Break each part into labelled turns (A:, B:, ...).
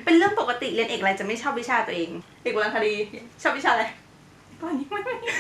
A: เป็นเรื่องปกติเรียนเอกอะไรจะไม่ชอบวิชาตัวเองเอกวรรณคดีชอบวิชาอะไรตอนนี้ไม่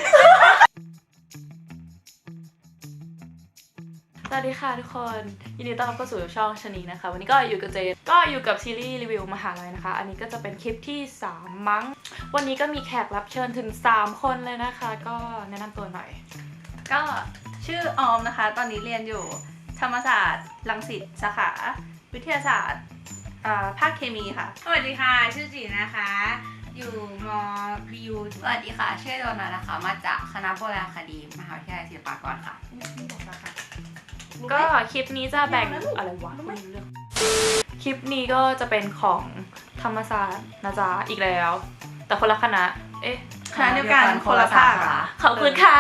B: สวัสดีค่ะทุกคนยินดีต้อนรับเข้าสู่ช่องชนีนะคะวันนี้ก็อยู่กับเจนก็อยู่กับซีรีส์รีวิวมหาลัยนะคะอันนี้ก็จะเป็นคลิปที่3มั้งวันนี้ก็มีแขกรับเชิญถึง3คนเลยนะคะก็แนะนำตัวหน่อย
A: ก็ชื่อออมนะคะตอนนี้เรียนอยู่ธรรมศาสตร์รังสิตสาขาวิทยาศาสตร์ภาคเคมีค่ะ
C: สวัสดีค่ะชื่อจีนะคะ อยู่ม.บียูสวัสดีค่ะชื่อโดนัทนะคะมาจากคณะโบราณคดีมหาวิทยาลัยศิลปากรค่ะ
B: ก็คลิปนี้จะแบ่งอะไรวะคลิปนี้ก็จะเป็นของธรรมศาสตร์นะจ๊ะอีกแล้วแต่คนละคณะ
A: คณะเดียวกันคนละภาค
B: ขอบคุณค่ะ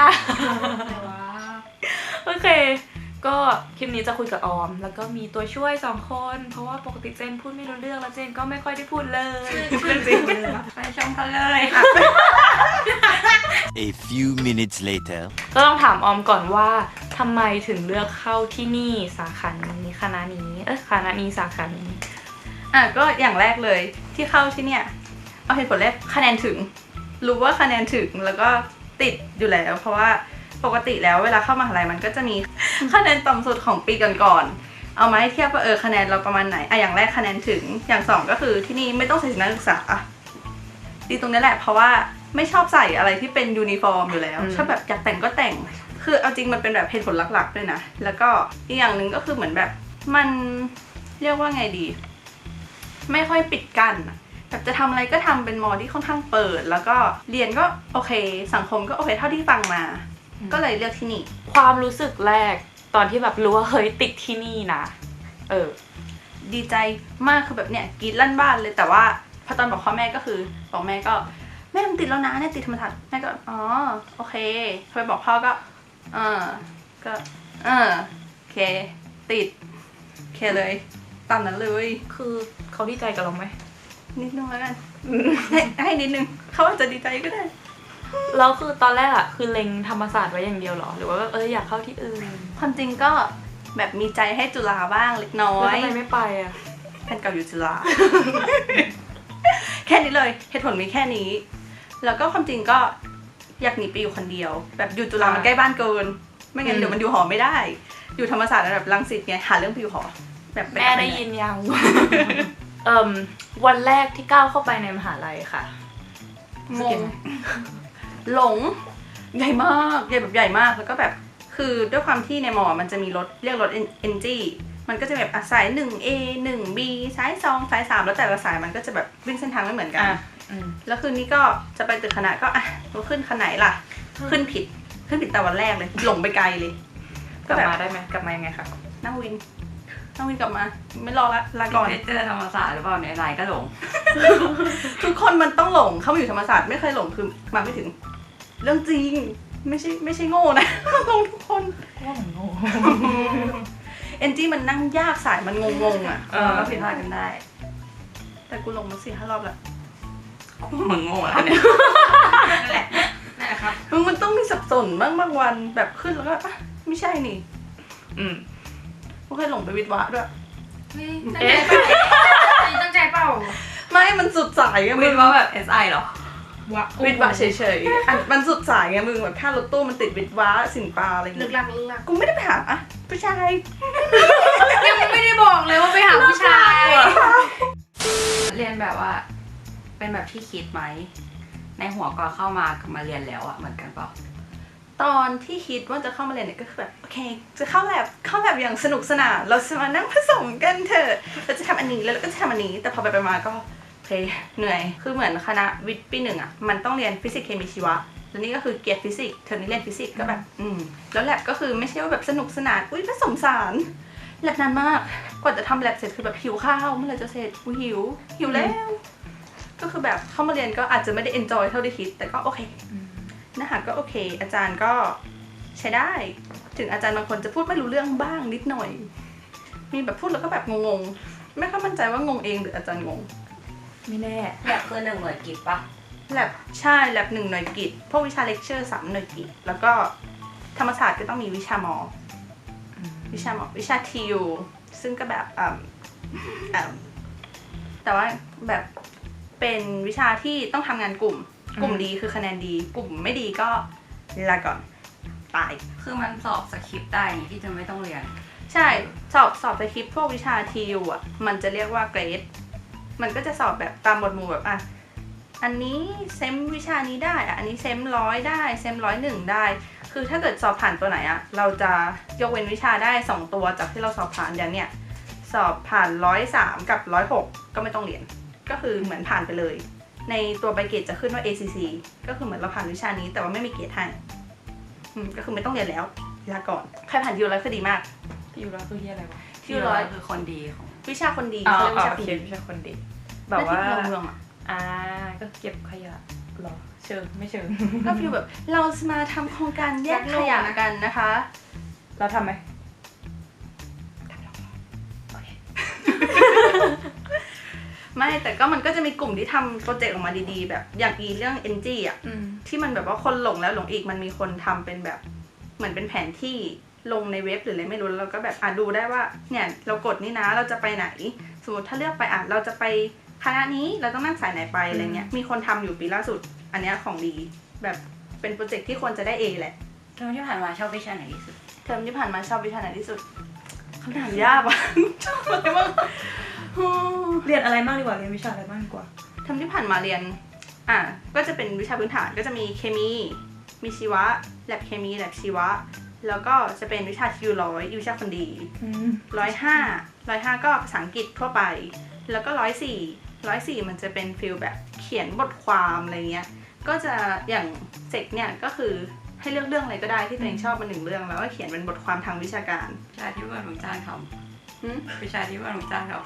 B: โอเคก็คลิปนี้จะคุยกับออมแล้วก็มีตัวช่วย2คนเพราะว่าปกติเจนพูดไม่รู้เรื่องแล้วเจนก็ไม่ค่อยได้พูดเลยจริง
C: ไปชมกันเลย
D: A few minutes later
B: ก็ต้องถามออมก่อนว่าทำไมถึงเลือกเข้าที่นี่สาขานี้คณะนี้คณะนี้สาขานี้
A: ก็อย่างแรกเลยที่เข้าที่เนี่ยเอาเหตุผลแรกคะแนนถึงรู้ว่าคะแนนถึงแล้วก็ติดอยู่แล้วเพราะว่าปกติแล้วเวลาเข้ามหาลัยมันก็จะมีคะแนนต่ำสุดของปีก่อนๆเอามาให้เทียบว่าคะแนนเราประมาณไหนอย่างแรกคะแนนถึงอย่าง2ก็คือที่นี่ไม่ต้องใส่ชุดนักศึกษาดีตรงนี้แหละเพราะว่าไม่ชอบใส่อะไรที่เป็นยูนิฟอร์มอยู่แล้วชอบแบบอยากแต่งก็แต่งคือเอาจริงมันเป็นแบบเหตุผลหลักๆด้วยนะแล้วก็อีกอย่างหนึ่งก็คือเหมือนแบบมันเรียกว่าไงดีไม่ค่อยปิดกั้นแบบจะทำอะไรก็ทำเป็นมอที่ค่อนข้างเปิดแล้วก็เรียนก็โอเคสังคมก็โอเคเท่าที่ฟังมาก็เลยเลือกที่นี่
B: ความรู้สึกแรกตอนที่แบบรู้ว่าเฮ้ยติดที่นี่นะ
A: ดีใจมากคือแบบเนี่ยกรี๊ดลั่นบ้านเลยแต่ว่าพอตอนบอกพ่อแม่ก็คือบอกแม่ก็แม่มันติดแล้วนะเนี่ยติดธรรมศาสตร์แม่ก็อ๋อโอเคพอไปบอกพ่อก็ก็โอเคติดโอเคเลยตามนั้นเลย
B: คือเขาดีใจกับเราไหม
A: นิดนึงแล้วกันให้นิดนึงเขาอาจจะดีใจก็ได้
B: แล้วคือตอนแรกอะคือเล็งธรรมศาสตร์ไว้อย่างเดียวหรอหรือว่าอยากเข้าที่อื่น
A: ความจริงก็แบบมีใจให้จุฬาบ้างเล็กน้อย
B: แล้วทำไมไม่ไปอะ
A: แฟนเก่าอยู่จุฬา แค่นี้เลยเหตุผลมีแค่นี้แล้วก็ความจริงก็อยากหนีไปอยู่คนเดียวแบบอยู่จุฬามันใกล้บ้านเกินไม่งั้นเดี๋ยวมันอยู่หอไม่ได้อยู่ธรรมศาสตร์แบบรังสิตไงหาเรื่องไปอยู่หอ
B: แบบแม่ได้ยินยังวันแรกที่ก้าวเข้าไปในมหาลัยค่ะ
A: งงหลงใหญ่มากใหญ่แบบใหญ่มากแล้วก็แบบคือด้วยความที่ในมอมันจะมีรถเรียกรถ NG มันก็จะแบบสาย 1A 1B สาย2สาย3แล้วแต่ละสายมันก็จะแบบวิ่งเส้นทางไม่เหมือนกันแล้วคืนนี้ก็จะไปตึกคณะก็เราขึ้นคันไหนล่ะขึ้นผิดแต่วันแรกเลยหลงไปไกลเลย
B: ก็แบบมาได้ไหมกลับมายังไงคะ
A: นั่งวินกลับมาไม่รอละลาก่อน
C: เจอธรรมศาสตร์หรือเปล่าเนี่ยไหนก็หลง
A: ทุกคนมันต้องหลงเข้ามาอยู่ธรรมศาสตร์ไม่เคยหลงคือมาไม่ถึงเรื่องจริงไม่ใช่โง่นะหลงทุกคน
B: ว่ามันโง่
A: NG มันนั่งยากสายมันงงๆ
C: ก็ผิดพลาดกันได้
A: แต่กูหลงมา4-5 รอบแล้ว
C: มึงโง่แล้วเนี่ยนั่นแหละครับ
A: มันต้องมีสับสนบ้างบางวันแบบขึ้นแล้วก็ไม่ใช่นี่กูเคยหลงไปวิทย์วะด้วย
C: ตั้งใจเปล่า
A: ไม่มันสุดสายไง
C: วิทย์วะแบบ SI หรอ
A: วิทย์วะเฉยๆมันสุดสายไงมึงแบบค่ารถตู้มันติดวิทย์วะสินปลาอะไรอย่างเงี้ย
C: ลึกลัก
A: กูไม่ได้ไปหาผู้ชาย
C: ยังไม่ได้บอกเลยว่าไปหาผู้ชายเรียนแบบว่าเป็นแบบที่คิดไหมในหัวก่อนเข้ามากับมาเรียนแล้วอะเหมือนกันเปล่า
A: ตอนที่คิดว่าจะเข้ามาเรียนเนี่ยก็คือแบบโอเคจะเข้าแบบอย่างสนุกสนานเราจะมานั่งผสมกันเถอะเราจะทำอันนี้แล้วก็จะทำอันนี้แต่พอไปมาก็โอเคเหนื่อยคือเหมือนคณะวิทย์ปี1มันต้องเรียนฟิสิกส์เคมีชีวะแล้วนี่ก็คือเกียรติฟิสิกส์เทอมนี้เรียนฟิสิกส์ก็แบบแล้วแลบก็คือไม่ใช่ว่าแบบสนุกสนานผสมสารแลบนานมากกว่าจะทำแลบเสร็จคือแบบหิวข้าวเมื่อไหร่จะเสร็จหิวแล้วก็คือแบบเข้ามาเรียนก็อาจจะไม่ได้เอนจอยเท่าที่คิดแต่ก็โอเคนะคะก็โอเคอาจารย์ก็ใช้ได้ถึงอาจารย์บางคนจะพูดไม่รู้เรื่องบ้างนิดหน่อยมีแบบพูดแล้วก็แบบงงๆไม่ค่อยมั่นใจว่างงเองหรืออาจารย์งง
B: ไม่แน่
C: แลบคือ1 หน่วยกิตปะ
A: แลบใช่แลบ1 หน่วยกิตพวกวิชาเลคเชอร์3 หน่วยกิตแล้วก็ธรรมศาสตร์ก็ต้องมีวิชามอวิชาทิวซึ่งก็แบบแต่ว่าแบบเป็นวิชาที่ต้องทำงานกลุ่มดีคือคะแนนดี กลุ่มไม่ดีก็ลาก่อนตาย
C: คือมันสอบสคริปต์ได้นี่ที่จะไม่ต้องเรียน
A: ใช่สอบสคริปต์พวกวิชาทียูอ่ะมันจะเรียกว่าเกรดมันก็จะสอบแบบตามหมวดหมู่แบบอ่ะอันนี้เซมวิชานี้ได้อ่ะอันนี้เซม100ได้เซม101ได้คือถ้าเกิดสอบผ่านตัวไหนอ่ะเราจะยกเว้นวิชาได้2ตัวจากที่เราสอบผ่านอย่างเนี้ยสอบผ่าน103กับ106ก็ไม่ต้องเรียนก็คือเหมือนผ่านไปเลยในตัวใบเกรดจะขึ้นว่า ACC ก็คือเหมือนเราผ่านวิชานี้แต่ว่าไม่มีเกรดให้ก็คือไม่ต้องเรียนแล้วลาก่อนใครผ่านยูแล้วคือดีมาก
B: ที่อยู่ร้อยคือที่อะไรวะ
A: ที่ร้อย
C: คือคนดีของ
A: วิชาคนดี
B: อ๋อ
A: เขาเรียกวิชาคนดี
B: โอเควิชาคนดี
A: แบ
B: แบบ บ
A: ว่า
B: ว่า
A: เมืองอ่ะ
B: ก็เก็บขยะหรอเชิงไม่เชิง
A: ก็ฟีลแบบเราจะมาทำโครงการแยกขยะกันนะคะ
B: เราทำไหม
A: ไม่แต่ก็มันก็จะมีกลุ่มที่ทำโปรเจกต์ออกมาดีๆแบบอย่างอีเรื่อง NG อ่ะที่มันแบบว่าคนหลงแล้วหลงอีกมันมีคนทำเป็นแบบเหมือนเป็นแผนที่ลงในเว็บหรืออะไรไม่รู้แล้วเราก็แบบดูได้ว่าเนี่ยเรากดนี่นะเราจะไปไหนสมมติถ้าเลือกไปเราจะไปคณะนี้เราต้องนั่งสายไหนไปอะไรเงี้ยมีคนทำอยู่ปีล่าสุดอันเนี้ยของดีแบบเป็นโปรเจกต์ที่ควรจะได้ A แหละ
C: เทอมที่ผ่านมาชอบวิชาไหนที่สุด
A: เทอมที่ผ่านมาชอบวิชาไหนที่สุดคำถามยากว่ะ ชอบอะไรบ้าง
B: เรียนอะไรบ้างดีกว่าเรียนวิชาอะไรบ้างดีกว่า
A: เทอมที่ผ่านมาเรียนก็จะเป็นวิชาพื้นฐานก็จะมีเคมีมีชีวะแลบเคมีแลบชีวะแล้วก็จะเป็นวิชาคิว100วิชาคนดี105ก็ภาษาอังกฤษทั่วไปแล้วก็104มันจะเป็นฟิลแบบเขียนบทความอะไรเงี้ยก็จะอย่างเซกเนี่ยก็คือให้เลือกเรื่องอะไรก็ได้ที่ตัวเองชอบมา1เรื่องแล้วก็เขียนเป็นบทความทางวิชาการ
C: วิชาที่เพื่อนหนูจ้างทำวิชาที่เพื่อนหนูจ้างทำ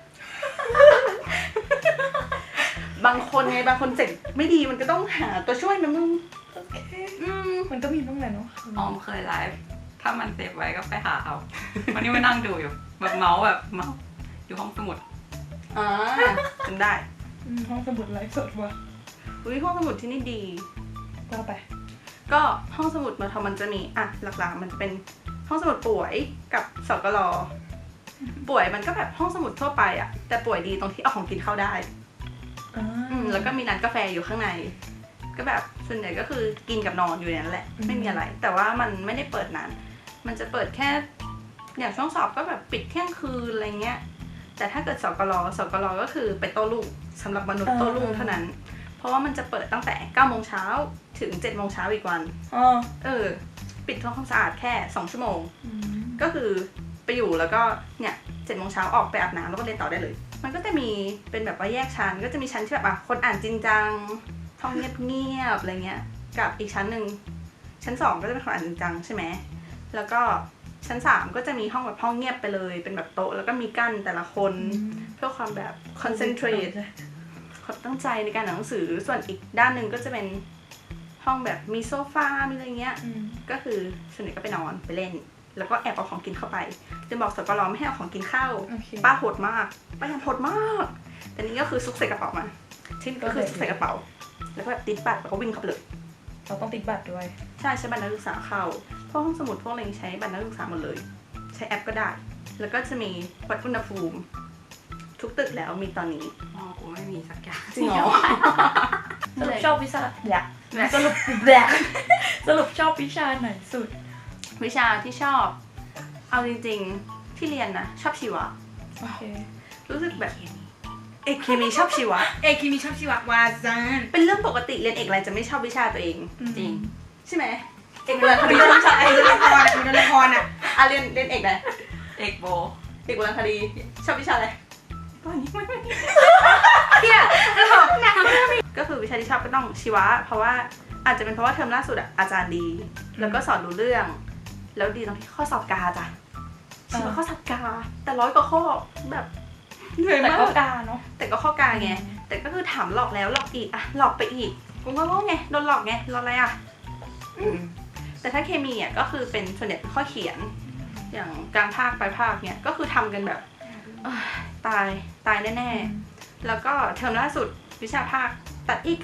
A: บางคนไงบางคนเสร็จไม่ดีมันก็ต้องหาตัวช่วยนะมึง
B: โอเคมันก็มีบ้างแหละเนาะ
C: ออมเคยไลฟ์ถ้ามันเซฟไว้ก็ไปหาเอาวันนี้มานั่งดูอยู่แบบเมาส์อยู่ห้องสมุด
A: จำได้
B: ห้องสมุดไลฟ์สดว่ะ
A: ห้องสมุดที่นี่ดี
B: ก็ไป
A: ก็ห้องสมุดมันจะมีหลักๆมันจะเป็นห้องสมุดป่วยกับสกลป่วยมันก็แบบห้องสมุดทั่วไปแต่ป่วยดีตรงที่เอาของกินเข้าได้แล้วก็มีร้านกาแฟอยู่ข้างในก็แบบส่วนใหญ่ก็คือกินกับนอนอยู่นั่นแหละไม่มีอะไรแต่ว่ามันไม่ได้เปิดนานมันจะเปิดแค่อย่างช่วงสอบก็แบบปิดเที่ยงคืนอะไรเงี้ยแต่ถ้าเกิดสกลก็คือไปโต้รุ่งสำหรับมนุษย์โต้รุ่งเท่านั้นเพราะว่ามันจะเปิดตั้งแต่9 โมงเช้าถึง7 โมงเช้าอีกวันปิดทำความสะอาดแค่2 ชั่วโมงก็คือไปอยู่แล้วก็เนี่ย7 โมงเช้าออกไปอาบน้ำแล้วก็เรียนต่อได้เลยมันก็จะมีเป็นแบบว่าแยกชั้นก็จะมีชั้นที่แบบคนอ่านจริงจังห้องเงียบๆอะไรเงี้ยกับอีกชั้นหนึ่งชั้น2ก็จะเป็นคนอ่านจริงจังใช่ไหมแล้วก็ชั้น3ก็จะมีห้องแบบห้องเงียบไปเลยเป็นแบบโต๊ะแล้วก็มีกั้นแต่ละคนเพื่อความแบบคอนเซนเทรตความตั้งใจในการอ่านหนังสือส่วนอีกด้านหนึ่งก็จะเป็นห้องแบบมีโซฟามีอะไรเงี้ยก็คือส่วนใหญ่ก็ไปนอนไปเล่นแล้วก็แอบเอาของกินเข้าไปจะบอกสกลไม่ให้เอาของกินเข้าป้าโหดมากป้ายังโหดมากแต่นี่ก็คือซุกใส่กระเป๋ามาที่ก็คือซุกใส่กระเป๋าแล้วก็แบบติดบัตรแล้วก็วิ่งเข้าไปเลย
B: เราต้องติดบัตรด้วย
A: ใช่บัตรนักศึกษาเข้าพวกห้องสมุดพวกอะไรใช้บัตรนักศึกษาหมดเลยใช้แอปก็ได้แล้วก็จะมีวัดอุณหภูมิทุกตึกแล้วมีตอนนี้
C: กูไม่มีสักอย่าง
A: จริงเหรอ
B: สรุปชอบวิชาสรุปชอบวิชาไหนสุด
A: วิชาที่ชอบเอาจริงๆที่เรียนนะชอบชีวะ
B: โอเค
A: รู้สึกแบบเคมีชอบชีวะ
B: เคมีชอบชีวะวาซาน
A: เป็นเรื่องปกติเรียนเอกอะไรจะไม่ชอบวิชาตัวเอง
C: จริง
A: ใช่ไหมเอกเวลาคดีต้องใช้เรื่องละครเรียนเอกอะไร
C: เอกโบ
A: เอกเวลาคดีชอบวิชาอะไร
C: ตอนนี้ไม่
A: เนี่ยก็คือวิชาที่ชอบก็ต้องชีวะเพราะว่าอาจจะเป็นเพราะว่าเทอมล่าสุดอาจารย์ดีแล้วก็สอนรู้เรื่องแล้วดีตรงที่ข้อสอบกาจ้ะชีวะข้อสอบกาแต่100 กว่าข้อแบบเหนื่อย
B: แต่
A: มาก
B: ก็กาเนาะ
A: แต่ก็ข้อกาไงแต่ก็คือถามหลอกแล้วหลอกอีกหลอกไปอีกกูก็ว่าไงโดนหลอกไงรออะไรแต่ถ้าเคมีก็คือเป็นส่วนใหญ่เป็นข้อเขียนอย่างกลางภาคปลายภาคเนี่ยก็คือทำกันแบบตายแน่ๆแล้วก็เทอมล่าสุดวิชาภาคตัดอีก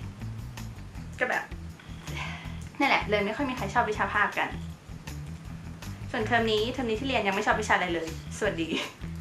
A: 90ก็แบบนี่แหละเลยไม่ค่อยมีใครชอบวิชาภาคกันส่วนเทอมนี้ที่เรียนยังไม่ชอบวิชาอะไรเลยสวัสดี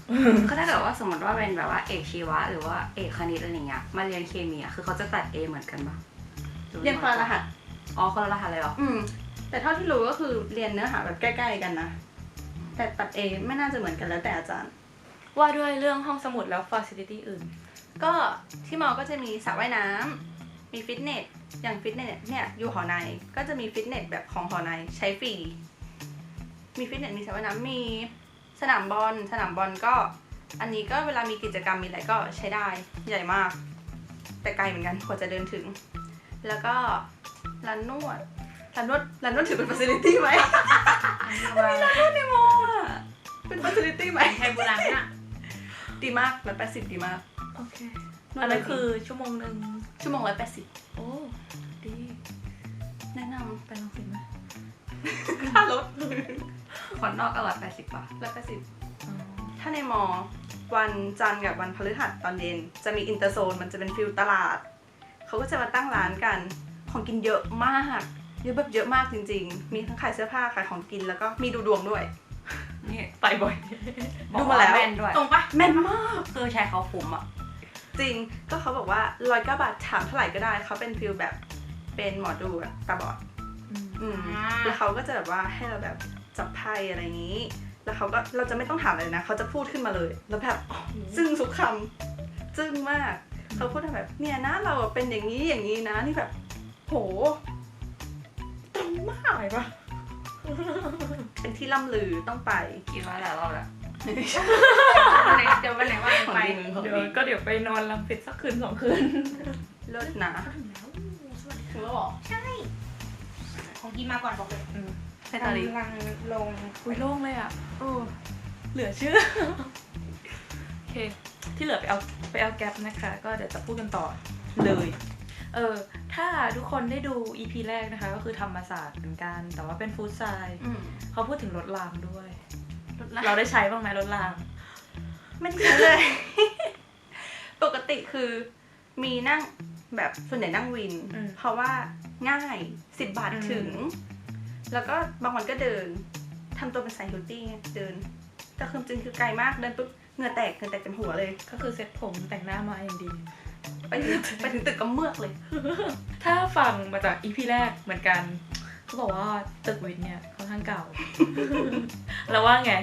C: ก็ถ้าเกิดว่าสมมติว่าเป็นแบบว่าเอกชีวะหรือว่าเอกคณิตอะไรอย่างเงี้ยมาเรียนเคมีอะคือเขาจะตัด A เหมือนกันปะ
A: เรียนคนละรหัส
C: อ๋อคนละรหัสเลยเหรอ
A: แต่เท่าที่รู้ก็คือเรียนเนื้อหาแบบใกล้ๆกันนะ แต่ตัด A ไม่น่าจะเหมือนกันแล้วแต่อาจารย์
B: ว่าด้วยเรื่องห้องสมุดแล้ว facility อื่น
A: ก็ที่มอก็จะมีสระว่ายน้ำมีฟิตเนส อย่างฟิตเนสเนี่ยอยู่หอในก็จะมีฟิตเนสแบบของหอในใช้ฟรี มีฟิตเนส มีสระว่ายน้ำมีสนามบอลก็อันนี้ก็เวลามีกิจกรรมมีอะไรก็ใช้ได้ใหญ่มาก แต่ไกลเหมือนกันกว่าจะเดินถึง แล้วก็ร้านนวดถือเป็น facility ไหม ร้านนวดในมออะเป็น facility ไหม
C: ไทยโบราณเนี่ย
A: ดีมาก180ดีมาก
B: โอเค อันนั้นคือชั่วโมงหนึ่ง
A: ชั่วโมง180
B: โอ้ดี
A: แนะน
B: ไปลองสิไหม
A: ำค่ารถ
C: คนนอกก็180บาท
A: 180
B: อ๋อ
A: ถ้าในมอวันจันทร์กับวันพฤหัสตอนเย็นจะมีอินเตอร์โซนมันจะเป็นฟิลตลาดเขาก็จะมาตั้งร้านกันของกินเยอะมากเยอะแบบเยอะมากจริงๆ มีทั้งขายเสื้อผ้าขายของกินแล้วก็มีดูดวงด้วย
C: นี่
B: ไปบ่อย
A: ดูมาแล้ว
C: แม่นด้วย
B: ตรงปะ
A: แม่นมาก
C: คือใช้เขาคุ้มอ่ะ
A: จริงก็เขาบอกว่า109 บาทถามเท่าไหร่ก็ได้เขาเป็นฟิลแบบเป็นหมอดูอะตาบอด แล้วเขาก็จะแบบว่าให้เราแบบจับไพ่อะไรอย่างนี้ แล้วเขาก็เราจะไม่ต้องถามเลยนะเขาจะพูดขึ้นมาเลยแล้วแบบจึ้งทุกคำจึ้งมากเขาพูดแบบเนี่ยนะเราเป็นอย่างนี้อย่างนี้นะนี่แบบโหตรงมากเลยปะเป็นที่ล่ำลือต้องไป
C: คิดว่าหลายรอบแล้ว
A: เดี๋
C: เดี๋ยววันไหนว่างไป
B: เดี๋ยวไปนอนลังสิตสักคืน2 คืน
A: เลิศนะถือว่าบอก
E: ของกินมาก่อนบอกเลย
A: ใช่ตาลี
E: กำลังลง
B: อุ้ยโล่งเลยอ่ะเหลือเชื่อ โอเค ที่เหลือไปเอาแก๊ปนะคะ ก็เดี๋ยวจะพูดกันต่อเลย ถ้าทุกคนได้ดู EP แรกนะคะ ก็คือธรรมศาสตร์เหมือนกัน แต่ว่าเป็นฟู้ดไซน์เขาพูดถึงรถรางด้วย เราได้ใช้บ้างไหมรถราง
A: ไม่ได้เลย ปกติคือมีนั่งแบบส่วนใหญ่นั่งวิน เพราะว่าง่าย10 บาทถึง แล้วก็บางวันก็เดินทำตัวเป็นสายเฮลตี้ไงเดิน แต่คือจริงคือไกลมากเดินปุ๊บเหงื่อแตกเต็มหัวเลย
B: ก็คือเซ็ตผมแต่งหน้ามาอย่างดี
A: ไปถึงตึกก็เมือกเลย
B: ถ้าฟังมาจาก EP แรกเหมือนกันเขาบอกว่าตึกวิทย์เนี่ยค่อนข้างเก่า แล้วว่าไง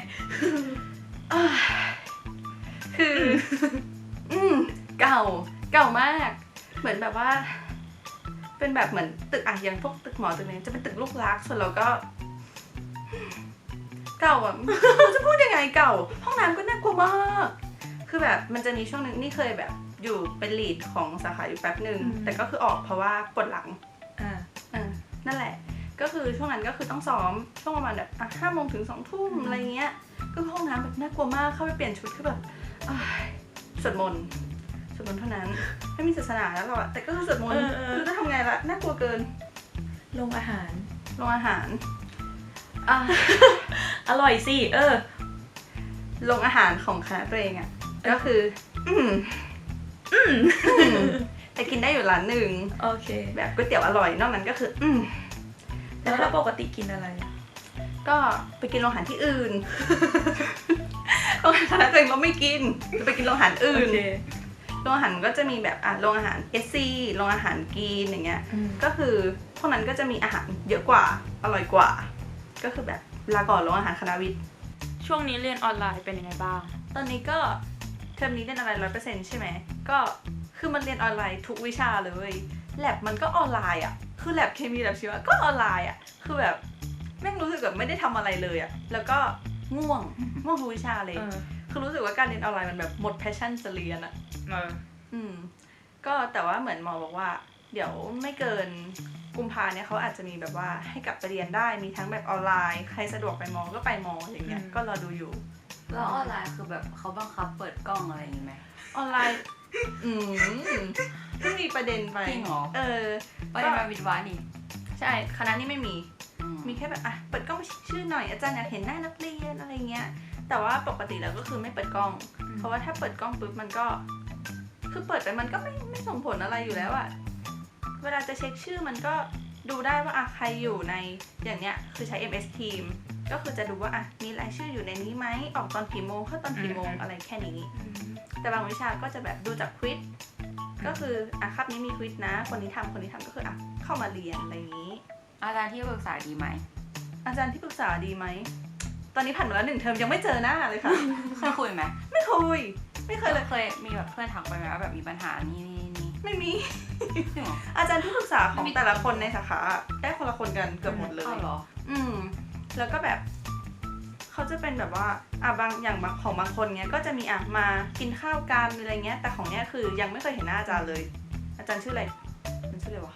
A: คือ เก่ามาก เหมือนแบบว่า เป็นแบบเหมือนตึกอย่างพวกตึกหมอตึกนี้จะเป็นตึกลูกรักส่วนเราก็ เก่าอ่ะ จะพูดยังไงเก่า ห้องน้ำก็น่ากลัวมาก คือแบบมันจะมีช่วงนึงนี่เคยแบบอยู่เป็นลีดของสาขาอยู่แป๊บหนึ่งแต่ก็คือออกเพราะว่าปวดหลังนั่นแหละ ก็คือช่วงนั้นก็คือต้องซ้อมช่วงประมาณแบบ5 โมงถึง2 ทุ่มอะไรเงี้ย ก็ห้องน้ำแบบน่ากลัวมากเข้าไปเปลี่ยนชุดคือแบบสวดมนต์เท่านั้นไม่มีศาสนาแล้วหรอกแต่ก็คือสวดมนต์คือจะทำไงล่ะน่ากลัวเกิน
B: ลงอาหาร
A: โรงอาหาร
B: อร่อยสิ
A: โรงอาหารของคณะตัวเองอ่ะก็คือแต่กินได้อยู่ร้านหนึ่ง
B: โอเค
A: แบบก๋วยเตี๋ยวอร่อยนอกนั้นก็คือ
B: แล้วถ้าปกติกินอะไร
A: ก็ไปกินโรงอาหารที่อื่น โรงอาหารคณะตัวเองเราไม่กินจะไปกินโรงอาหารอื่นโรงอาหารก็จะมีแบบโรงอาหาร SC โรงอาหารกินอย่างเงี้ยก็คือพวกนั้นก็จะมีอาหารเยอะกว่าอร่อยกว่าก็คือแบบลาก่อนโรงอาหารคณะวิทย์
B: ช่วงนี้เรียนออนไลน์เป็นยังไงบ้าง
A: ตอนนี้ก็เทอมนี้เรียนอะไร100%ใช่ไหมก็คือมันเรียนออนไลน์ทุกวิชาเลยแลบมันก็ออนไลน์อ่ะคือแลบเคมีแลบชีวะก็ออนไลน์อ่ะคือแบบแม่งรู้สึกแบบไม่ได้ทำอะไรเลยอ่ะแล้วก็ง่วงทุกวิชาเลยคือรู้สึกว่าการเรียนออนไลน์มันแบบหมดแพชชั่นจะเรียนอ่ะก็แต่ว่าเหมือนหมอบอกว่าเดี๋ยวไม่เกินกุมภาเนี่ยเขาอาจจะมีแบบว่าให้กลับไปเรียนได้มีทั้งแบบออนไลน์ใครสะดวกไปมอก็ไปมออย่างเงี้ยก็รอดูอยู่
C: แล้วออนไลน์คือแบบเขาบังคับเปิดกล้องอะไรอย่างงี้ไหม
A: ออนไลน์ไม่มีประเด็นไป
C: จริงเหรอไปเรียนมาวิทย์วะนี่
A: ใช่คณะนี้ไม่มีแค่แบบเปิดกล้องชื่อหน่อยอาจารย์อยากเห็นหน้านักเรียนอะไรเงี้ยแต่ว่าปกติแล้วก็คือไม่เปิดกล้องเพราะว่าถ้าเปิดกล้องปุ๊บมันก็คือเปิดไปมันก็ไม่ส่งผลอะไรอยู่แล้วอะเวลาจะเช็คชื่อมันก็ดูได้ว่าใครอยู่ในอย่างเนี้ยคือใช้ MS Team ก็คือจะดูว่ามีรายชื่ออยู่ในนี้ไหมออกตอนกี่โมงเข้าตอนกี่โมงอะไรแค่นี้แต่บางวิชาก็จะแบบดูจากควิซก็คือคาบนี้มีควิซนะคนนี้ทำก็คือเข้ามาเรียนอะไรอย่างนี้
C: อาจารย์ที่ปรึกษาดีไหม
A: อาจารย์ที่ปรึกษาดีไหมตอนนี้ผ่านมาแล้ว1 เทอมยังไม่เจอหน้าเลยค่ะ
C: เคยคุยไหม
A: ไม่เคยเลย
C: เคยมีแบบเพื่อนทักไปไหมว่าแบบมีปัญหานี่
A: ไม่มี
C: จริงเหรอ
A: อาจารย์ที่ปรึกษาของแต่ละคนในสาขาได้คนละคนกันเกือบหมดเลย
C: อ้าวเหรอ
A: แล้วก็แบบเขาจะเป็นแบบว่าบางอย่างของบางคนเนี้ยก็จะมีมากินข้าวกันอะไรเงี้ยแต่ของเนี้ยคือยังไม่เคยเห็นหน้าอาจารย์เลย อาจารย์ชื่ออะไรมันชื่ออะไรวะ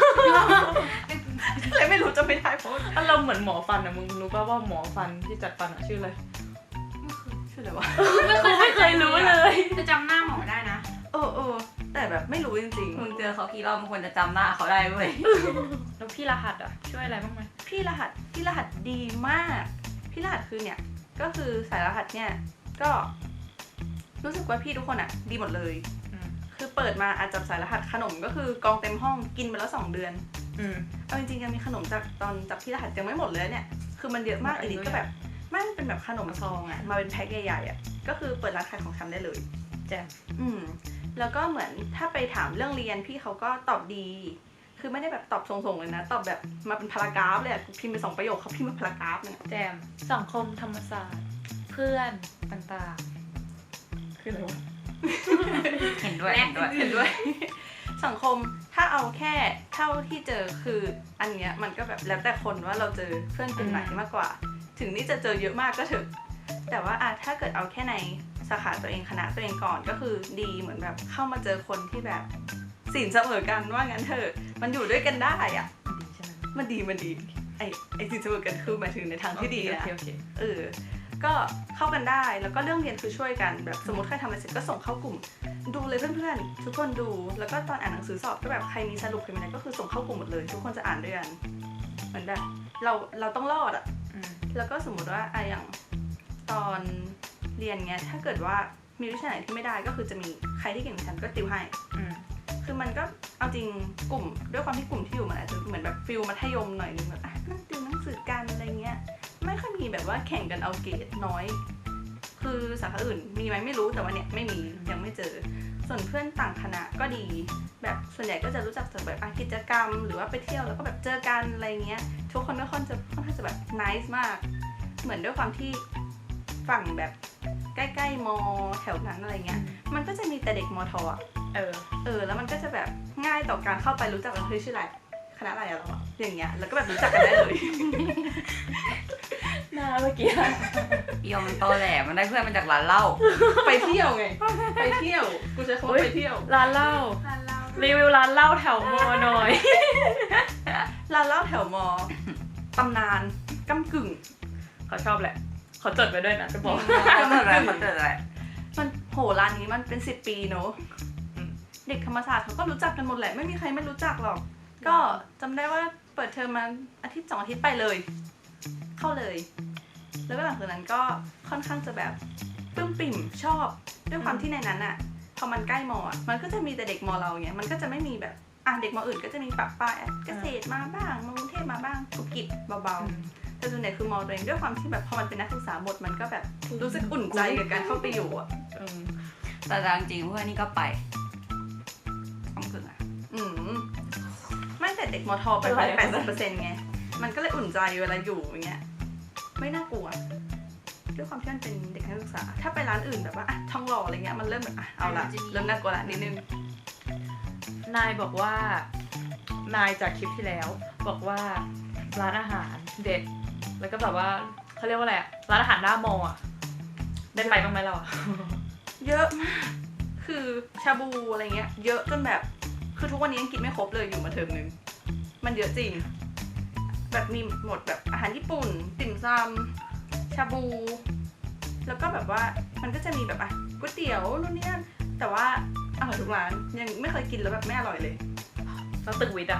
A: เลยไม่รู้จะไม่ได้เพราะ
B: เราเหมือนหมอฟันอะมึงรู้ป่ะว่าหมอฟันที่จัดฟันอะชื่ออะไร
A: ชื่ออะไรวะ
B: ไม่เคยรู้เลย
E: จะจำหน้าหมอได้นะ
A: แต่แบบไม่รู้จริง
C: มึงเจอเขากี่รอบมึงควรจะจำหน้าเขาได้เว้ย
B: แล้วพี่รหัสอะช่วยอะไรบ้างไหม
A: ๆพี่รหัสดีมากพี่รหัสคือเนี่ยก็คือสายรหัสเนี่ยก็รู้สึกว่าพี่ทุกคนดีหมดเลยคือเปิดมาจับสายรหัสขนมก็คือกองเต็มห้องกินไปแล้ว2 เดือนเอาจริงๆยังมีขนมจากตอนจับพี่รหัสยังไม่หมดเลยเนี่ยคือมันเยอะมากอีกก็แบบไม่เป็นแบบขนมซองมาเป็นแพ็คใหญ่ๆก็คือเปิดร้านขายของชำได้เลย
B: แจ่ม
A: แล้วก็เหมือนถ้าไปถามเรื่องเรียนพี่เขาก็ตอบดีคือไม่ได้แบบตอบส่งๆเลยนะตอบแบบมาเป็นพารากราฟเลยพิมพ์ไป2 ประโยคเขาพิมพ์มาพารากราฟเลย
B: แจ่มสังคมธรรมศาสตร์เพื่อนต่างๆคืออะไรวะ
C: เห็นด้วย
A: สังคมถ้าเอาแค่เท่าที่เจอคืออันเนี้ยมันก็แบบแล้วแต่คนว่าเราเจอเพื่อนกลุ่มไหนมากกว่า ถึงนี่จะเจอเยอะมากก็เถอะแต่ว่าถ้าเกิดเอาแค่ในสาขาตัวเองคณะตัวเองก่อนก็คือดีเหมือนแบบเข้ามาเจอคนที่แบบศีลเสมอกันว่างั้นเถอะมันอยู่ด้วยกันได้อะ
B: ดีใช่ไหม
A: มันดีไอศีลเสมอกันคือหมายถึงในทางที่ดีนะ
B: โอเค
A: ก็เข้ากันได้แล้วก็เรื่องเรียนคือช่วยกันแบบสมมติใครทำอะไรเสร็จก็ส่งเข้ากลุ่มดูเลยเพื่อนๆทุกคนดูแล้วก็ตอนอ่านหนังสือสอบก็แบบใครมีสรุปใครมีอะไรก็คือส่งเข้ากลุ่มหมดเลยทุกคนจะอ่านด้วยกันเหมือนแบบเราต้องรอดแล้วก็สมมติว่าอย่างตอนเรียนเงี้ยถ้าเกิดว่ามีวิชาไหนที่ไม่ได้ก็คือจะมีใครที่เก่งกว่าฉันก็ติวให้คือมันก็เอาจริงกลุ่มด้วยความที่กลุ่มที่อยู่มันอาจจะเหมือนแบบฟิลมัธยมหน่อยนึงแบบนั่งติวหนังสือกันอะไรเงี้ยไม่ค่อยมีแบบว่าแข่งกันเอาเกรดน้อยคือสาขาอื่นมีไหมไม่รู้แต่ว่าเนี่ยไม่มียังไม่เจอส่วนเพื่อนต่างคณะก็ดีแบบส่วนใหญ่ก็จะรู้จักจากแบบกิจกรรมหรือว่าไปเที่ยวแล้วก็แบบเจอกันอะไรเงี้ยทุกคนก็ค่อนข้างจะแบบนิสมากเหมือนด้วยความที่ฝั่งแบบใกล้ๆมอแถวนั้นอะไรเงี้ยมันก็จะมีแต่เด็กมอทอ่ะแล้วมันก็จะแบบง่ายต่อการเข้าไปรู้จักกันเฮ้ยชื่ออะไรคณะอะไรอะเราอะอย่างเงี้ยแล้วก็แบบรู้จักกันได้เลย
B: หน้าเมื่อกี้
C: เอียวมันโตแหละมันได้เพื่อนมาจากร้านเหล้า
A: ไปเที่ยวไงไปเที่ยวกูจะคำว่าไปเที่ยว
B: ร้านเหล้ารีวิวร้านเหล้าแถวมอหน่อย
A: ร้านเหล้าแถวมอตำนานก้ำกึ่ง
B: เขาชอบแหละเขาจดไปด้วยนะจะบอก
C: เขาเกิดอะไร
A: มันโหร้านนี้มันเป็น10 ปีเนอะเด็กธรรมศาสตร์เขาก็รู้จักกันหมดแหละไม่มีใครไม่รู้จักหรอกก็จำได้ว่าเปิดเทอมมาอาทิตย์2 อาทิตย์ไปเลยเข้าเลยแล้วก็หลังจากนั้นก็ค่อนข้างจะแบบปลื้มปิ่มชอบด้วยความที่ในนั้นอะพอมันใกล้มอมันก็จะมีแต่เด็กมอเราเงี้ยมันก็จะไม่มีแบบเด็กมออื่นก็จะมีปะปายเกษตรมาบ้างมอกรุงเทพมาบ้างธุรกิจเบาๆแต่ส่วนใหญ่คือมอตัวเองด้วยความที่แบบพอมันเป็นนักศึกษาหมดมันก็แบบรู้สึกอุ่นใจกับการเข้าไปอยู่อะ
C: แต่จริงๆเพื่อนนี่ก็ไปต้องกึ่งอะ
A: ไม่แต่เด็กมอทอไป80%ไงมันก็เลยอุ่นใจเวลาอยู่อย่างเงี้ยไม่น่ากลัวด้วยความที่มันเป็นเด็กนักศึกษาถ้าไปร้านอื่นแบบว่าทองหล่ออะไรเงี้ยมันเริ่มแบบเอาละเริ่มน่ากลัวละนิดนึง
B: นายบอกว่านายจากคลิปที่แล้วบอกว่าร้านอาหารเด็ดแล้วก็แบบว่าเขาเรียกว่าอะไรร้านอาหารหน้ามออะได้ไปบ้างไหมเราอะ
A: เยอะมากคือชาบูอะไรเงี้ยเยอะจนแบบคือทุกวันนี้ยังกินไม่ครบเลยอยู่มาเทอมนึงมันเยอะจริงแบบมีหมดแบบอาหารญี่ปุ่นติ่มซำชาบูแล้วก็แบบว่ามันก็จะมีแบบก๋วยเตี๋ยวนู่นนี่นั่นแต่ว่าอร่อยทุกร้านยังไม่เคยกินแล้วแบบไม่อร่อยเลย
B: แล้วตึกวิทย์อะ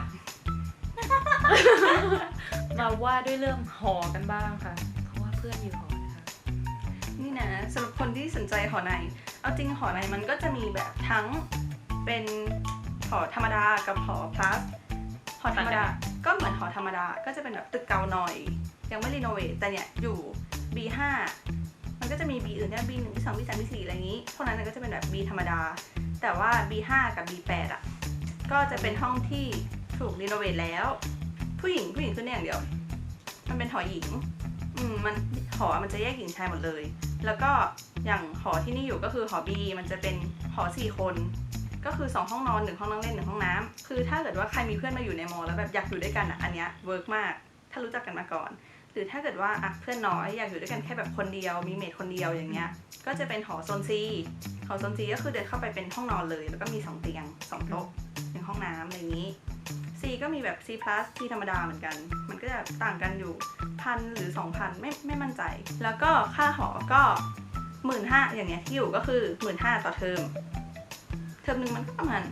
B: มาว่าด้วยเรื่องหอกันบ้างค่ะเพราะว่าเพื่อนอยู่หอนะคะ
A: นี่นะสำหรับคนที่สนใจหอในเอาจริงหอในมันก็จะมีแบบทั้งเป็นหอธรรมดากับหอ plus หอธรรมดาก็เหมือนหอธรรมดาก็จะเป็นแบบตึกเก่าหน่อยยังไม่รีโนเวทแต่เนี่ยอยู่ B5 มันก็จะมี B อื่นเนี่ย B1 B2 B3 B4 อะไรอย่างนี้พวกนั้นก็จะเป็นแบบ B ธรรมดาแต่ว่า B5 กับ B8 อ่ะก็จะเป็นห้องที่ถูกรีโนเวทแล้วผู้หญิงขึ้นได้อย่างเดียวมันเป็นหอหญิงมันหอมันจะแยกหญิงชายหมดเลยแล้วก็อย่างหอที่นี่อยู่ก็คือหอ B มันจะเป็นหอ4คนก็คือ2ห้องนอน1ห้องนั่งเล่น1ห้องน้ำคือถ้าเกิดว่าใครมีเพื่อนมาอยู่ในมอแล้วแบบอยากอยู่ด้วยกันอ่ะอันเนี้ยเวิร์กมากถ้ารู้จักกันมาก่อนหรือถ้าเกิดว่าอ่ะเพื่อนน้อยอยากอยู่ด้วยกันแค่แบบคนเดียวมีเมทคนเดียวอย่างเงี้ยก็จะเป็นหอโซน C หอโซน C ก็คือเดินเข้าไปเป็นห้องนอนเลยแล้วก็มี2เตียง2โต๊ะ1ห้องน้ำอะไรอย่างนี้ C ก็มีแบบ C+ C ธรรมดาเหมือนกันมันก็จะต่างกันอยู่1,000 หรือ 2,000 ไม่มั่นใจแล้วก็ค่าหอก็ 15,000 อย่างเงี้ยที่อยู่ก็คือ 15,000 ต่อเทอมนึงมันก็ประมาณ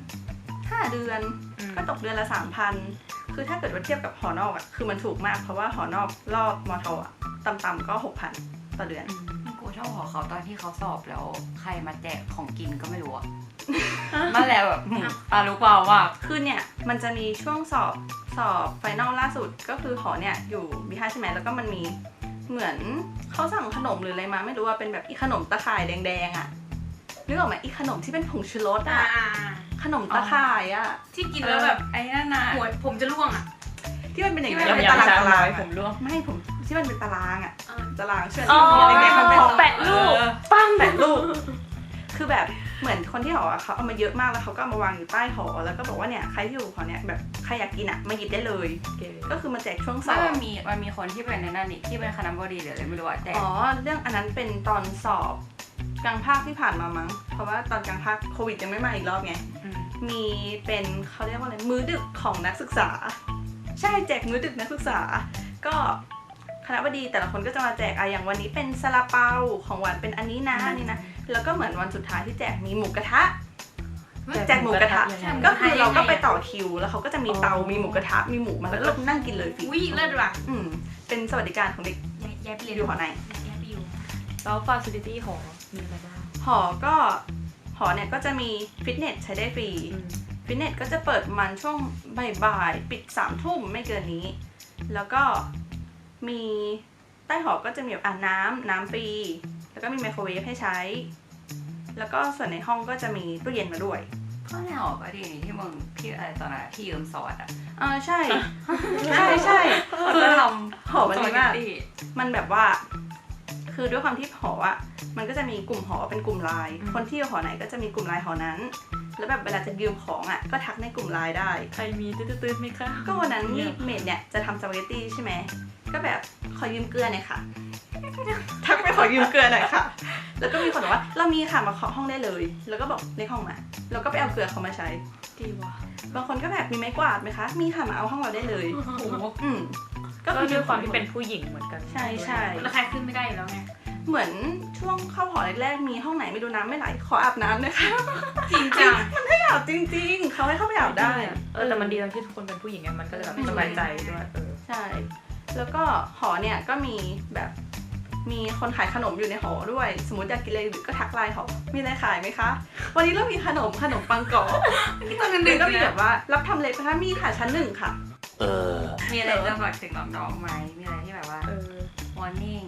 A: 5 เดือนก็ตกเดือนละ 3,000 คือถ้าเกิดว่าเทียบกับหอนอกอ่ะคือมันถูกมากเพราะว่าหอนอกรอบมทอ่ะต่ำๆก็ 6,000 ต่อเดือน
C: กูชอบหอเขาตอนที่เขาสอบแล้วใครมาแจกของกินก็ไม่รู้อะ นั่นแหละแบบรู้เปล่าว่า
A: คือเนี่ยมันจะมีช่วงสอบไฟนอลล่าสุดก็คือหอเนี่ยอยู่ B5 ใช่ไหมแล้วก็มันมีเหมือนเขาสั่งขนมหรืออะไรมาไม่รู้ว่าเป็นแบบอีขนมตะข่ายแดงๆอ่ะนึกออกไหมอีขนมที่เป็นผงชูรสอ่ะขนมตะข่ายอ่ะ
E: ที่กินแล้วแบบ
C: ไอ้นั่นน่ะ
E: หัวผมจะร่วงอ่ะ
A: ที่มันเป็นอย่าง
B: ที่
A: นี้
B: มัน
A: เป็นตาราง
B: ยำ
A: ตาราง
B: ผมร่วง
A: ไม่ผมที่มันเป็นตารางอ่ะตารางเชื่อ
B: อ๋อ
A: ที่มันมีเด็กๆมันเป็น
B: แปะรูปปั้ง
A: แปะรูปคือแบบเหมือนคนที่หออะเขาเอามาเยอะมากแล้วเขาก็เอามาวางอยู่ใต้หอแล้วก็บอกว่าเนี่ยใครที่อยู่หอเนี่ยแบบใครอยากกินอ่ะมาหยิบได้เลย ก็คือมาแจกช่วงส
C: ไม่
A: อบ
C: มันมีคนที่เป็นในนั่นนี่ที่เป็นคณะบดีหรืออะไรไม่รู้อะแต่
A: อ๋อเรื่องอันนั้นเป็นตอนสอบกลางภาคที่ผ่านมามั้งเพราะว่าตอนกลางภาคโควิดยังไม่มาอีกรอบไงมีเป็นเขาเรียกว่าอะไรมื้อดึกของนักศึกษาใช่แจกมื้อดึกนักศึกษาก็คณะบดีแต่ละคนก็จะมาแจกอย่างวันนี้เป็นซาลาเปาของหวานเป็นอันนี้นะนี่นะแล้วก็เหมือนวันสุดท้ายที่แจกมีหมูกระทะแจกหมูกระทะก็คือเราก็ไปต่อคิวแล้วเขาก็จะมีเตามีหมูกระทะมีหมูมาแล้วเรานั่งกินเลยฟรี
E: อุ้ยเลิศว่ะ
A: เป็นสวัสดิการของเด็ก
E: ย้ายไปเรียน
A: อยู่หอใน
E: ย้ายไปอยู่
B: แล้วฟาซิลิตี้หอมีอะไรบ้าง
A: หอเนี่ยก็จะมีฟิตเนสใช้ได้ฟรีฟิตเนสก็จะเปิดมันช่วงบ่ายๆปิด3 ทุ่มไม่เกินนี้แล้วก็มีใต้หอก็จะมีแบบน้ำฟรีแล้วก็มีไมโครเวฟให้ใช้แล้วก็ส่วนในห้องก็จะมีตู้เย็นมาด้วย
C: ก็ในหอก็ดีนี่ที่มึงที่อะไรตอนนั้นที่ยืมสอดอะ
A: ใช่ใช่คือ
C: ท
A: หอ
C: ำ
A: มันดีมากมันแบบว่าคือด้วยความที่หออ่ะมันก็จะมีกลุ่มหอเป็นกลุ่มไลน์คนที่อยู่หอไหนก็จะมีกลุ่มไลน์หอนั้นแล้วแบบเวลาจะยืมของอ่ะก็ทักในกลุ่มไลน์ได้
B: ใครมีตื้อๆไหมคะ
A: ก็วันนั้นนี่เมดเนี่ยจะทำสปาเกตตี้ใช่ไหมก็แบบขอยืมเกลือหน่อยค่ะ ทักไปขอยืมเกลือหน่อยค่ะ แล้วก็มีคนบอกว่าเรามีค่ะมาเคาะห้องได้เลย แล้วก็บอกเลขห้องมาแล้วก็ไปเอาเกลือเขามาใช้
B: ดีว่ะ
A: บางคนก็แบบมีไม้กวาดไหมคะมีค่ะมาเอาห้องเราได้เลย
C: โอ้โห
A: ก็
B: ก็
A: คือ
B: ด้วยความที่เป็นผู้หญิงเหมือนกัน
A: ใช่ใช่
E: แล้วใครขึ้นไม่ได้อยู่แล้วไง
A: เหมือนช่วงเข้าหอแรกๆมีห้องไหนไม่ดูน้ำไม่ไหลขออาบน้ำนะคะ
E: จริงจัง
A: อาบจริงๆเขาให้เข้าไปอาบได้
B: แต่มันดีตรงที่ทุกคนเป็นผู้หญิงไงมันก็จะแบบสบายใจด้วย
A: ใช่ แล้วก็หอเนี่ยก็มีแบบมีคนขายขนมอยู่ในหอด้วย สมมติอยากกินอะไรก็ทักไลน์หอมีอะไรขายไหมคะ วันนี้เรามีขนมปังกรอบ
E: ที่ตอนกัน
A: ห
E: ดึ
A: รื
E: ก
A: อก็มี
E: นะ
A: แบบว่ารับทำเล็บนะคะมีค่ะชั้น 1ค่ะ
C: มีอะไรจะบอกถึงน้องๆไหมมีอะไรที่แบบว่า warning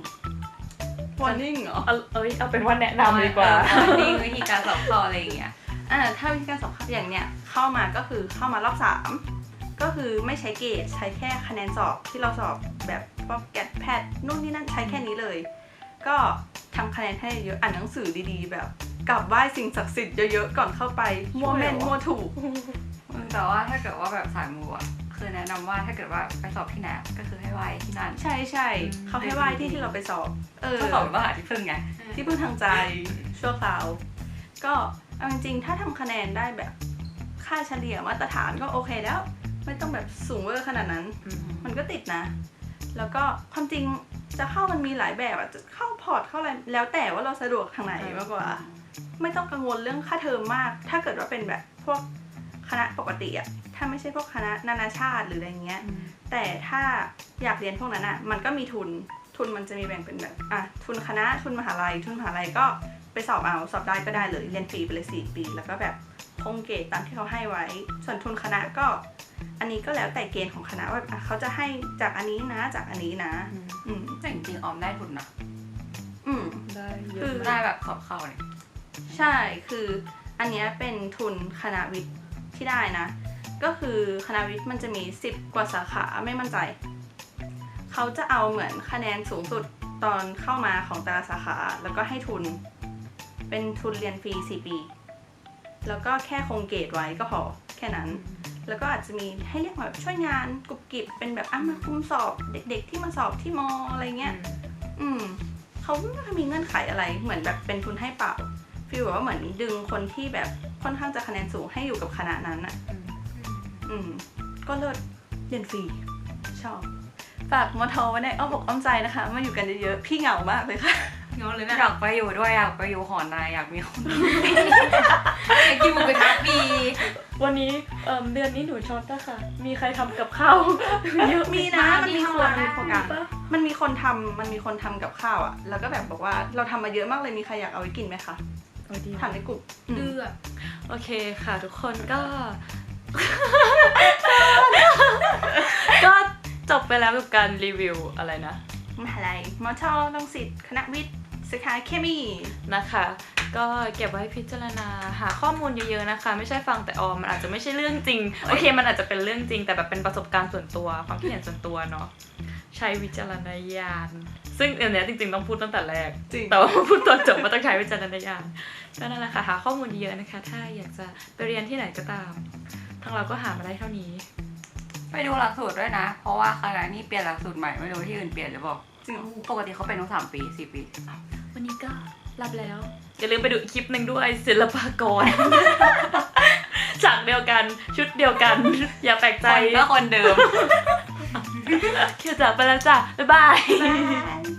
A: warning เหรอ
B: เอาเป็นว่าแนะนำดีกว่า
C: warning วิธีการสอบข้ออะไรอย่างเงี้ย
A: ถ้าวิธีการสอบอย่างเนี้ยเข้ามาก็คือเข้ามารอบ3ก็คือไม่ใช้เกรดใช้แค่คะแนนสอบที่เราสอบแบบพวกแกดแพดนู่นนี่นั่นใช้แค่นี้เลย ก็ทำคะแนนให้เยอะอ่านหนังสือดีๆ แบบกราบไหว้สิ่งศักดิ์สิทธิ์เยอะๆก่อนเข้าไปมั่วแม่นมั่วถูก
C: แต่ว่าถ้าเกิดว่าแบบสายมูอ่ะคือแนะนำว่าถ้าเกิดว่าไปสอบที่ไหนก็คือให้ไหว้ที่นั่น
A: ใช่ใช่เขาให้ไหว้ที่เราไปสอบ
C: ก็สอบเป็นมหาที่พึ่งไง
A: ที่พึ่งทางใจชั่วคราวก็เอาจริงๆถ้าทำคะแนนได้แบบค่าเฉลี่ยมาตรฐานก็โอเคแล้ว ไม่ต้องแบบสูงเวอร์ขนาดนั้น มันก็ติดนะ แล้วก็ความจริงจะเข้ามันมีหลายแบบจะเข้าพอร์ตเข้าอะไรแล้วแต่ว่าเราสะดวกทางไหนมากกว่า ไม่ต้องกังวลเรื่องค่าเทอมมาก ถ้าเกิดว่าเป็นแบบพวกคณะปกติอะถ้าไม่ใช่พวกคณะนานาชาติหรืออะไรเงี้ยแต่ถ้าอยากเรียนพวกนั้นอะมันก็มีทุนมันจะมีแบ่งเป็นแบบทุนคณะทุนมหาลัยก็ไปสอบสอบได้ก็ได้เลยเรียนฟรีไปเลย4 ปีแล้วก็แบบคงเกรดตามที่เขาให้ไว้ส่วนทุนคณะก็อันนี้ก็แล้วแต่เกณฑ์ของคณะว่าเขาจะให้จากอันนี้นะจากอันนี้นะอืม
C: แต่จริงๆออมได้ทุนนะ
A: อืม
B: ได้เย
A: คื
B: อะ
A: อ
C: ได้แบบสอบเข้าเลย
A: ใช่คืออันเนี้ยเป็นทุนคณะวิทย์ที่ได้นะ ก็คือคณะวิทย์มันจะมี10 กว่าสาขาไม่มั่นใจเขาจะเอาเหมือนคะแนนสูงสุดตอนเข้ามาของแต่ละสาขาแล้วก็ให้ทุนเป็นทุนเรียนฟรี4 ปีแล้วก็แค่คงเกรดไว้ก็พอแค่นั้น แล้วก็อาจจะมีให้เรียกมาแบบช่วยงานกรุบกริบเป็นแบบมาคุมสอบเด็กๆที่มาสอบที่มออะไรเงี้ยเขาไม่ได้มีเงื่อนไขอะไรเหมือนแบบเป็นทุนให้เปล่าฟีลแบบว่าเหมือนดึงคนที่แบบค่อนข้างจะคะแนนสูงให้อยู่กับคณะนั้นอ่ะก็เลิศเรียนฟรีชอบฝากมอทอไว้ในอ้อมอกอ้อมใจนะคะมาอยู่กันเยอะๆพี่เหงามากเลยค่ะ
E: งอนเลยนะ
C: อยากไปอยู่ด้วยอยากไปอยู่หอนายอยากมีคน
E: อยากกินหมูกระทะปี
B: วันนี้เดือนนี้หนูช็อตนะคะมีใครทำกับข้าว เยอะ
A: มีนะมันมีคน
E: มีโครงการ
A: มันมีคนทำกับข้าวอ่ะแล้วก็แบบบอกว่าเราทำมาเยอะมากเลยมีใครอยากเอาไปกินไหมคะ
B: โอ้ดี
A: ถามในกลุ่ม
E: เดือ
B: โอเคค่ะทุกคนก็ ก็จบไปแล้วกับการรีวิวอะไรนะ
A: มหาลัยมอชอรังสิตคณะวิทย์สาขาเคมี
B: นะคะ ก็เก็บไว้พิจารณาหาข้อมูลเยอะๆนะคะ ไม่ใช่ฟังแต่ออมมันอาจจะไม่ใช่เรื่องจริงโอเคมันอาจจะเป็นเรื่องจริงแต่แบบเป็นประสบการณ์ส่วนตัวความคิดเห็นส่วนตัวเนาะใช้วิจารณญาณซึ่งอันเนี้ยจริงๆต้องพูดตั้งแต่แรก
A: จริง
B: แต่ว่าพูดตอนจบว่าต้องใช้วิจารณญาณก็นั่นแหละค่ะหาข้อมูลเยอะๆนะคะ ถ้าอยากจะไปเรียนที่ไหนก็ตามทางเราก็หามาได้เท่านี้
C: ไปดูหลักสูตรด้วยนะ เพราะว่าคณะนี้เปลี่ยนหลักสูตรใหม่ไม่รู้ที่อื่นเปลี่ยนหรือเปล่า
A: จริง
C: ปกติเขาเป็นทั้ง3 ปี 4 ปี
B: วันนี้ก็รับแล้ว อย่าลืมไปดูอีกคลิปหนึ่งด้วยศิลปากร ฉากเดียวกันชุดเดียวกัน อย่าแปลกใจ
C: คนก็คนเดิม
B: เคียวจากไปแล้วจ้ะ บ๊ายบาย
A: บาย